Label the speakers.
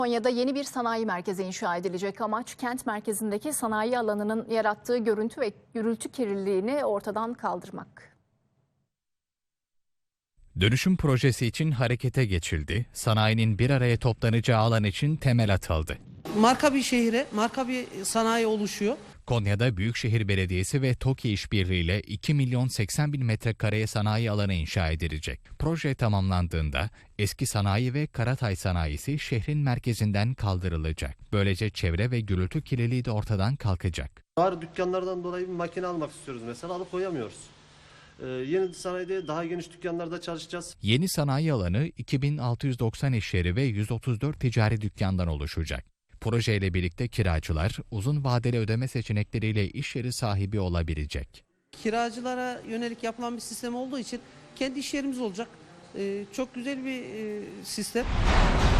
Speaker 1: Konya'da yeni bir sanayi merkezi inşa edilecek. Amaç kent merkezindeki sanayi alanının yarattığı görüntü ve gürültü kirliliğini ortadan kaldırmak.
Speaker 2: Dönüşüm projesi için harekete geçildi. Sanayinin bir araya toplanacağı alan için temel atıldı.
Speaker 3: Marka bir şehre, marka bir sanayi oluşuyor.
Speaker 2: Konya'da Büyükşehir Belediyesi ve TOKİ işbirliğiyle 2 milyon 80 bin metrekareye sanayi alanı inşa edilecek. Proje tamamlandığında eski sanayi ve Karatay sanayisi şehrin merkezinden kaldırılacak. Böylece çevre ve gürültü kirliliği de ortadan kalkacak.
Speaker 4: Dar dükkanlardan dolayı bir makine almak istiyoruz mesela, alıp koyamıyoruz. Yeni sanayide daha geniş dükkanlarda çalışacağız.
Speaker 2: Yeni sanayi alanı 2690 iş yeri ve 134 ticari dükkandan oluşacak. Projeyle birlikte kiracılar uzun vadeli ödeme seçenekleriyle iş yeri sahibi olabilecek.
Speaker 3: Kiracılara yönelik yapılan bir sistem olduğu için kendi iş yerimiz olacak. Çok güzel bir sistem.